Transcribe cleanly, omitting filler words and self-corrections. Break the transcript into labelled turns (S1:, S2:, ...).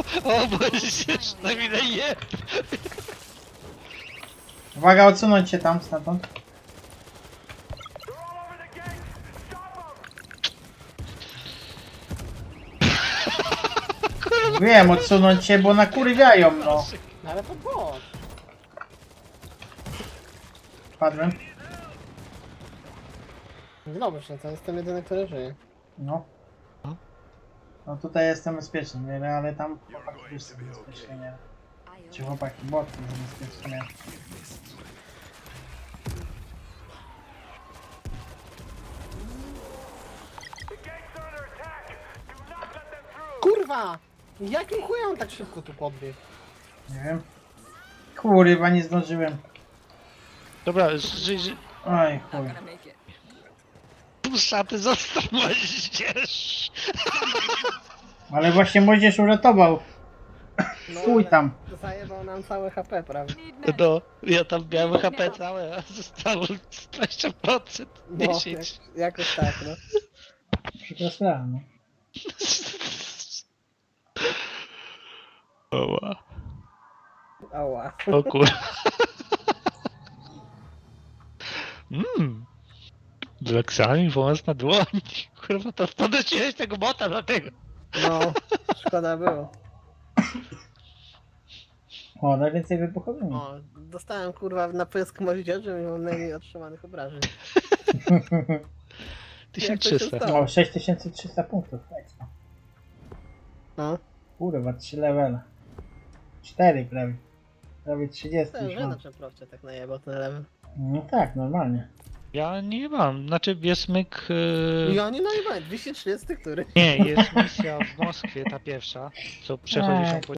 S1: O, bo się przynajmniej daje.
S2: Uwaga, odsunąć się tam stamtąd. Wiem, odsunąć się, bo nakurwiają, no.
S3: No ale to bot.
S2: Padłem.
S3: Dobrze, to jestem jedyny, który żyje.
S2: No. No tutaj jestem bezpieczny, nie? Ale tam chłopaki też są bezpieczni, nie? Czy chłopaki, boty są bezpieczni, nie?
S3: Kurwa! Jakim chujem on tak szybko tu podbiegł?
S2: Nie wiem. Kurwa, nie zdążyłem.
S1: Dobra,
S2: Oj, chuj.
S1: szaty zostaw moździerz.
S2: Ale właśnie młodzież uratował. Chuj
S3: ale
S2: tam.
S3: Zajebał nam całe HP, prawda?
S1: No, ja tam miałem HP całe, a zostało 20%,
S3: No,
S1: 10.
S3: jakoś tak, no.
S2: Przepraszam, no.
S1: Oła.
S3: Ała.
S1: O kur... Blacksami wąs na dłoń. Kurwa, to podnosiłeś tego bota dlatego.
S3: No, szkoda było.
S2: O, najwięcej wybuchowymi.
S3: O, dostałem kurwa na pysk moździerzy i mam najmniej otrzymanych obrażeń. Jak to się
S1: 1300.
S3: stało?
S2: O, 6300 punktów. Ekstra.
S3: No,
S2: Kurwa, 3 levele. 4 prawie. Prawie 30
S3: to
S2: już
S3: że
S2: mam.
S3: na przeprowcie tak najebał ten level.
S2: No tak, normalnie.
S1: Ja nie mam, znaczy jest myk...
S3: Ja nie najebałem, 230 który.
S1: Nie, jest misja w Moskwie, ta pierwsza, co przechodzisz ją po